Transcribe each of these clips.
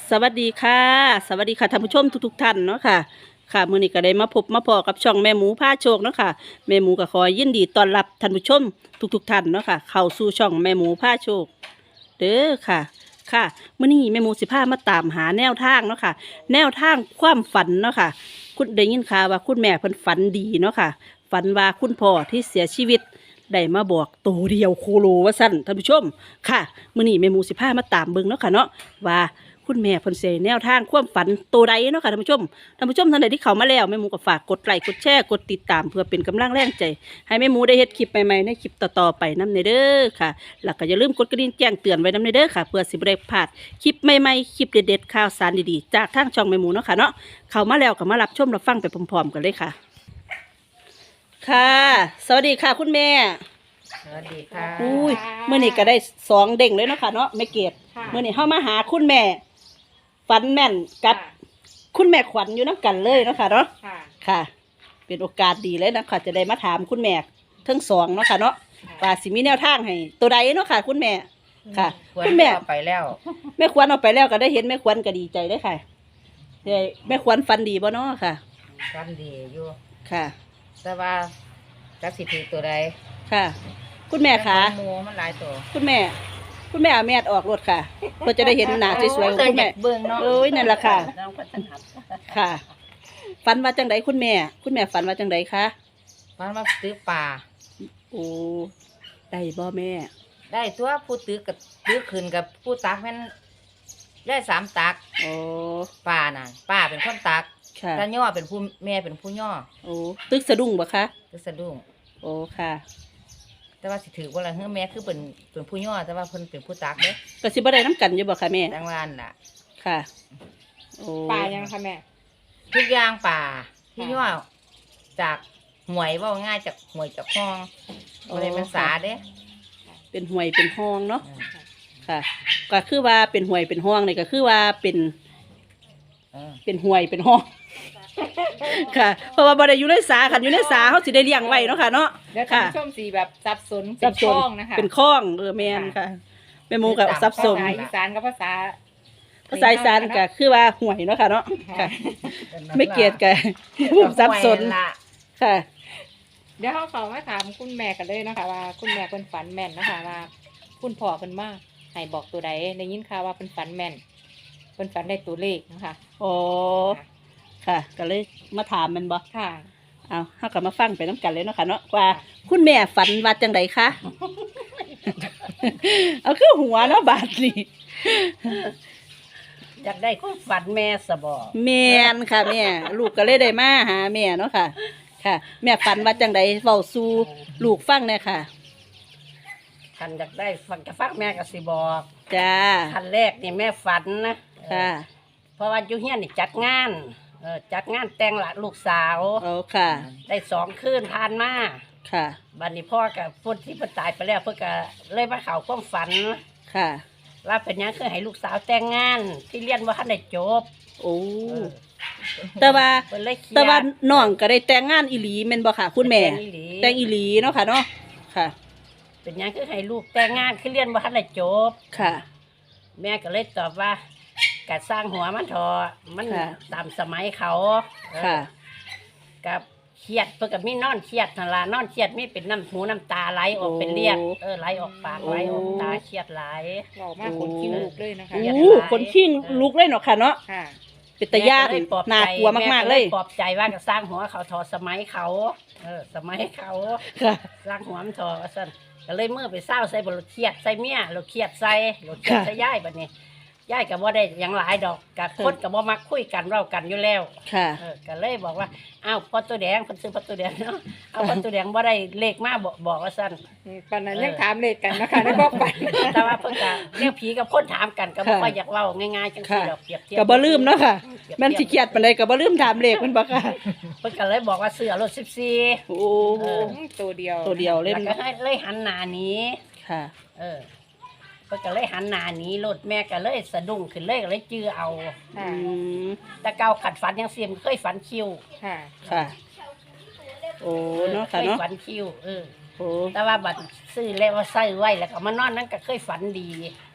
สวัสดีค่ะสวัสดีค่ะท่านผู้ชมทุกท่านเนาะค่ะค่ะมื้อนี้ก็ได้มาพบมาพอกับช่องแม่หมูพาโชคเนาะค่ะแม่หมูก็ขอยินดีต้อนรับท่านผู้ชมทุกท่านเนาะค่ะเข้าสู่ช่องแม่หมูพาโชคเด้อค่ะค่ะมื้อนี้แม่หมูสิพามาตามหาแนวทางเนาะค่ะแนวทางความฝันเนาะค่ะคุณได้ยินข่าวว่าคุณแม่เพิ่นฝันดีเนาะค่ะฝันว่าคุณพ่อที่เสียชีวิตได้มาบอกตัวเดียวโคโลว่าสั่นท่านผู้ชมค่ะมื้อนี้แม่หมูสิพามาตามเบิ่งเนาะค่ะเนาะว่า คุณแม่เพิ่นเสแนวทางความฝันตัวใดเนาะค่ะท่านผู้ชมท่านใดที่เข้ามาแล้วแม่หมูก็ฝากกดไลค์กดแชร์กดติดตามเพื่อเป็นกำลังแรงใจให้แม่หมูได้เฮ็ดคลิปใหม่ๆในคลิปต่อๆไปนำเด้อค่ะแล้วก็อย่าลืมกดกระดิ่งแจ้งเตือนไว้นำเด้อค่ะเพื่อสิบ่ได้พลาดคลิปใหม่ๆคลิปเด็ดๆข่าวสารดีๆจากทางช่องแม่หมูเนาะค่ะเนาะเข้ามาแล้วก็มารับชมรับฟังไปพร้อมๆกันเลยค่ะค่ะสวัสดีค่ะคุณแม่สวัสดีค่ะอุ้ยมื้อนี้ก็ได้2เด้งเลยเนาะค่ะเนาะแม่เกดมื้อนี้เฮามาหาคุณแม่ฝันแม่นกับคุณแม่ขวัญอยู่น้ำกันเลยเนาะค่ะเนาะค่ะเป็นโอกาสดีเลยนะคะจะได้มาถามคุณแม่ทั้งสองเนาะค่ะเนาะว่าสิมีแนวทางให้ตัวใดเนาะค่ะคุณแม่ค่ะคุณแม่ไปแล้วแม่ขวัญเอาไปแล้วก็ได้เห็นแม่ขวัญก็ดีใจเลยค่ะแม่ขวัญฝันดีบ่เนาะค่ะฝันดีอยู่ค่ะแต่ว่าจักสิถือตัวใดค่ะ คุณแม่ค่ะหมูมันหลายตัวคุณแม่เอาแม่ออกรถค่ะเพื่อจะได้เห็นหน้าสวยๆของคุณแม่เอ้ยนั่นแหละค่ะค่ะฝันว่าจังไดคุณแม่ฝันว่าจังไดคะฝันว่าตื้อปลาโอ้ได้บ่แม่ได้ตัวผู้ตื้อกับตื้อขึ้นกับผู้ตักแม่นได้3ตักโอ้ป้าน่ะป้าเป็นคนตักค่ะตาย่อเป็นผู้แม่เป็นผู้ย่อโอ้ตึกสะดุ้งบ่คะตึกสะดุ้งโอ้ค่ะแต่ว่าสิถือว่าอะไรเฮ้ยแม่คือเป็นผู้ย่อแต่ว่าเพิ่นเป็นผู้ตักเด้ก็สิบ่ได้น้ำกันอยู่บ่คะแม่จังหวัดน่ะค่ะโอ้ปลายังคะแม่ทุกอย่างป่าที่ย่อจากหวยว่าง่ายจากหวยจากห้องบ่ได้เป็นสาเด้เป็นหวยเป็นห้องเนาะค่ะก็คือว่าเป็นหวยเป็นห้องนี่ก็คือว่าเป็นหวยเป็นห้องค่ะเพราะว่าบ่ได้อยู่ในสาคันอยู่ในสาเขาสิได้เลี้ยงไว้เนาะค่ะเนาะแล้วท่านผู้ชมสีแบบสับสนเป็นคล้องนะคะเป็นคล้องแม่นค่ะแม่หมูกับสับสนภาษาอีสานกับภาษาอีสานก็คือว่าหวยเนาะค่ะเนาะค่ะไม่เกียดกันสับสนค่ะเดี๋ยวเขามาถามคุณแม่กันเลยนะคะว่าคุณแม่เป็นฝันแม่นนะคะว่าคุณพ่อเป็นมากให้บอกตัวใดได้ยินข่าวว่าเป็นฝันแม่นเป็นฝันได้ตัวเลขนะคะโอ้ค่ะก็เลยมาถามมันบ่ค่ะเอาเฮาก็มาฟังไปน้ำกันเลยเนาะค่ะเนาะว่าคุณแม่ฝันว่าจังไดคะเอาคือหัวเนาะบาดนี่อยากได้ความฝันแม่สบอแม่นค่ะแม่ลูกก็เลยได้มาหาแม่เนาะค่ะค่ะแม่ฝันว่าจังไดเว้าสู่ลูกฟังแน่ค่ะคันอยากได้ฟังจะฟังแม่ก็สิบอกจ้าคันแรกนี่แม่ฝันนะค่ะเพราะว่าอยู่เฮียนนี่จัดงานจัดงานแต่งละลูกสาวโอ้ค่ะได้2 คืนผ่านมาค่ะบัดนี้พ่อกับพูดที่เพิ่นตายไปแล้วเพิ่นก็เลยมาเข้าความฝันค่ะว่าเป็นหยังคือให้ลูกสาวแต่งงานที่เรียนว่าทันได้จบโอ้แต่ว่าน้องก็ได้แต่งงานอีหลีแม่นบ่ค่ะคุณแม่แต่งอีหลีเนาะค่ะเนาะค่ะเป็นหยังคือให้ลูกแต่งงานคือเรียนว่าทันได้จบค่ะแม่ก็เลยตอบว่ากัดสร้างหัวมันทอมันตามสมัยเขาค่ะกับเครียดเพื่อกับมีนอนเครียดนั่นล่ะนอนเครียดมีเป็นน้ำหูน้ำตาไหลออกเป็นเลียดไหลออกปากไหลออกตาเครียดไหลบอกมากคนขี้ลุกเลยนะคะคนขี้ลุกเลยเนาะค่ะเนาะเป็นตาญาติน่ากลัวมากๆเลยปลอบใจว่ากับสร้างหัวเขาทอสมัยเขาสมัยเขาสร้างหัวมันทอสั่นก็เลยเมื่อไปเศร้าใส่บรถเครียดใส่เมียรถเครียดใส่รถเครียดใส่ย่ายแบบนี้ย่ายกับว่าได้ยังหลายดอกกับคนกับว่ามักคุยกันเล่ากันอยู่แล้วค่ะก็เลยบอกว่าอ้าวพ่อตัวแดงคนซื้อพ่อตัวแดงเนาะเอาพ่อตัวแดงว่าได้เลขมาบอกว่าสั้นตอนนั้นยังถามเลขกันนะคะในบอกไปแต่ว่าเพิ่งจะเรื่องผีกับคนถามกันก็บอกว่าอยากเล่าง่ายๆจังซี่ดอกเปรียบเทียบก็บ่ลืมเนาะค่ะมันสิเครียดปานใดก็บ่ลืมถามเลขมันบ่ค่ะเพิ่นก็เลยบอกว่าเสื้อรถ14 โอ้ตัวเดียวเลยแล้วก็ให้เลยหันหน้านี้ค่ะเพิ่นก็เลยหันหน้านี้รถแม่ก็เลยสะดุ้งขึ้นเลยก็เลยจื้อเอาแต่เก่าขัดฝันยังเสียมเคยฝันคิวค่ะโอ้เนาะค่ะเนาะฝันคิวโอ้แต่ว่าบัดซื้อแล้วว่าใส่ไว้แล้วก็มานอนนั้นก็เคยฝันดี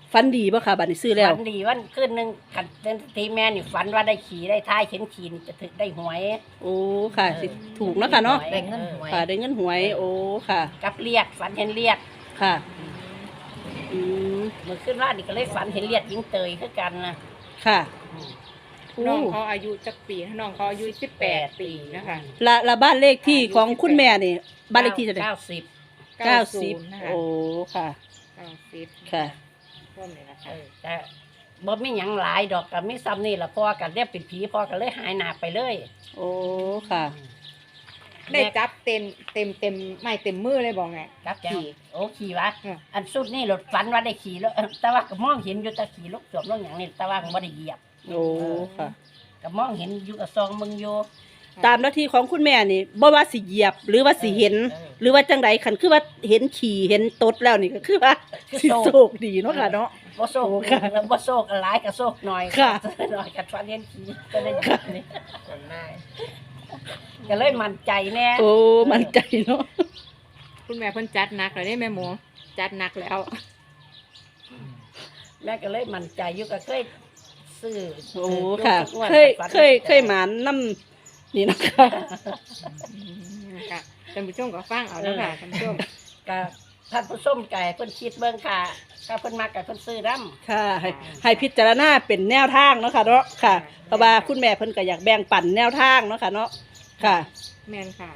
ฝันดีบ่ค่ะบัดนี้ซื้อแล้วฝันดีวันคืนหนึงกันทีแม่นี่ฝันว่าได้ขี่ได้ท้ายเข็นขี่นี่จะถึงได้หวยโอ้ค่ะสิถูกเนาะค่ะเนาะได้เงินหวยค่ะได้เงินหวย โอ้ค่ะกับเลียดฝันเห็นเลียดค่ะอืมเมื่อขึ้นว่านี่ก็เลยฝันเห็นเลียดยิงเตยคือกันนะค่ะน้องเขาอายุจักปีน้องเขาอายุ18 ปีนะคะละบ้านเลขที่ของคุณแม่นี่บ้านเลขที่เท่าไหร่ 90 นะคะโอ้ค่ะ 90 ค่ะร่วมเลยนะคะแต่บ่มีหยังหลายดอกก็มีซ้ำนี่ล่ะพ่อกันเรียกเป็นผีพ่อก็เลยหายหน้าไปเลยโอ้ค่ะได้จับเต็มไม่เต็มมือเลยบอกไงจับจังขี่โอ้ขี่วะอืมอันสุดนี่รถฝันว่าได้ขี่แล้วแต่ว่าก็มองเห็นอยู่แต่ขี่ลูกสวมลูกหยังนี่แต่ว่าก็บ่ได้เหยียบโอ้ค่ะก็มองเห็นอยู่กับซองมึงอยู่ตามหน้าที่ของคุณแม่นี่บ่ว่าสิเหยียบหรือว่าสิเห็น หรือว่าจังใดคันคือว่าเห็นขี่เห็นตดแล้วนี่ก็คือว่าสิโชคดีเนาะค่ะเนาะบ่โซกโอ้ค่ะบ่โซกหลายก็โซกหน่อยค่ะหน่อยก็ฝันเห็นขี่ก็ได้ยินนี่ก็เลยมั่นใจแน่โอ้มั่นใจเนาะคุณแม่เพิ่นจัดหนักเลยได้แม่หมูจัดหนักแล้วแม่ก็เลยมั่นใจอยู่ก็เคยซื้อโอ้ค่ะ เคยหมานน้ำนี่นะคะค่ะท่านผู้ชมก็ฟังเอาแล้วค่ะท่านผู้ชมก็ท่านผู้ชมไก่เพิ่นคิดเบิ่งค่ะก็เพิ่นมักก็เพิ่นซื้อนํค่ะให้พิจารณาเป็นแนวทางเนาะค่ะเนาะค่ะเพราะว่าคุณแม่เพิ่นก็อยากแบ่งปันแนวทางเนาะค่ะเนาะค่ะแม่นค่ะ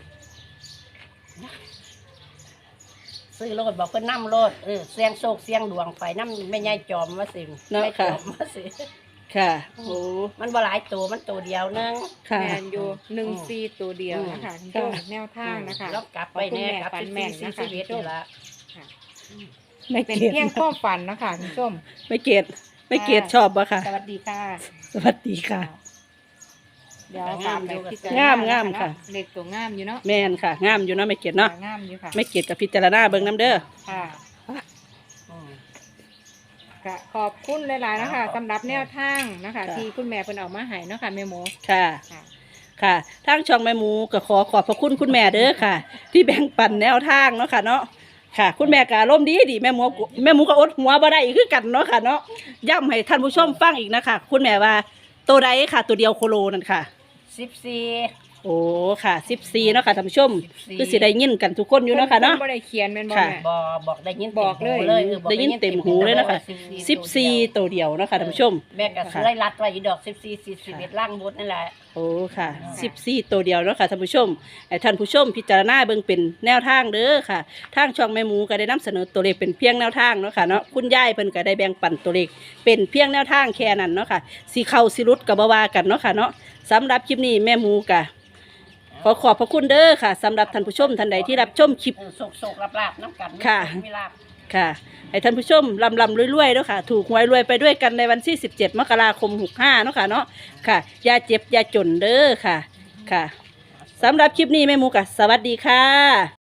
ซื้อโลดบอกเพิ่นนำโลดเสียงโชคเสียงดวงไปนำแม่ยายจอมว่าสิเนาะแม่ค่ะจอมว่าสิค่ะโอ้มันบ่หลายตัวมันตัวเดียวนึงค่ะแมนอยู่1-4ตัวเดียวนะคะท่านผู้ชมแนวทางนะคะแล้วกลับไปแน่กลับฝันที่แม่นนะคะ 41นี่ล่ะไม่เป็นเกลียดเพียงข้อฝันนะคะท่านผู้ชมไม่เกลียดไม่เกลียดชอบบ่ค่ะสวัสดีค่ะสวัสดีค่ะเดี๋ยวตามไปพิจารณางามค่ะเล็กตัวงามอยู่เนาะแม่นค่ะ งามอยู่เนาะไม่เกลียดเนาะงามอยู่ค่ะไม่เกลียดกับพิจารณาเบิ่งน้ำเด้อค่ะอืมค่ะขอบคุณหลายๆนะคะครับสำหรับแนวทางนะคะค่ะที่คุณแม่เพิ่นเอามาให้เนาะค่ะแม่หมูค่ะค่ะค่ะทางช่องแม่หมูก็ขอบพระคุณคุณแม่เด้อค่ะ ที่แบ่งปันแนวทางเนาะค่ะเนาะค่ะ คุณแม่ก็อารมณ์ดีแม่หมูก็อดหัวบ่ได้คือกันเนาะค่ะเนาะย้ำให้ท่านผู้ชมฟังอีกนะคะคุณแม่ว่าตัวใดค่ะ ตัวเดียวโคโลนั่นค่ะ 14 โอ้ค่ะ14เนาะค่ะท่านผู้ชม 14 คือสิได้ยินกันทุกคนอยู่เนาะค่ะเนาะบ่ได้เขียนแม่นบ่ค่ะแม่บอกได้ยินบอกเลยได้ยินเต็มหูเลยนะคะ 14 14ตัวเดียวเนาะค่ะท่านผู้ชมแม่ก็ซื้อไล่รัดไว้อีดอก14 41ล่างบดนั่นแหละโอ้ค่ะ14ตัวเดียวเนาะค่ะท่านผู้ชมให้ท่านผู้ชมพิจารณาเบิ่งเป็นแนวทางเด้อค่ะ ทางช่องแม่หมูก็ได้นำเสนอตัวเลขเป็นเพียงแนวทางเนาะค่ะเนาะคุณยายเพิ่นก็ได้แบ่งปันตัวเลขเป็นเพียงแนวทางแค่นั้นเนาะค่ะสิเข้าสิรุดก็บ่ว่ากันเนาะค่ะเนาะสำหรับคลิปนี้แม่หมูก็ขอขอบพระคุณเด้อค่ะสำหรับท่านผู้ชมท่านใดที่รับชมคลิปโศกลาบน้ำกันค่ะมีลาบค่ะให้ท่านผู้ชมลำรวยๆเนาะค่ะถูกหวยรวยไปด้วยกันในวันที่17 มกราคม 65เนาะค่ะเนาะค่ะอย่าเจ็บอย่าจนเด้อค่ะค่ะสำหรับคลิปนี้แม่หมูก็สวัสดีค่ะ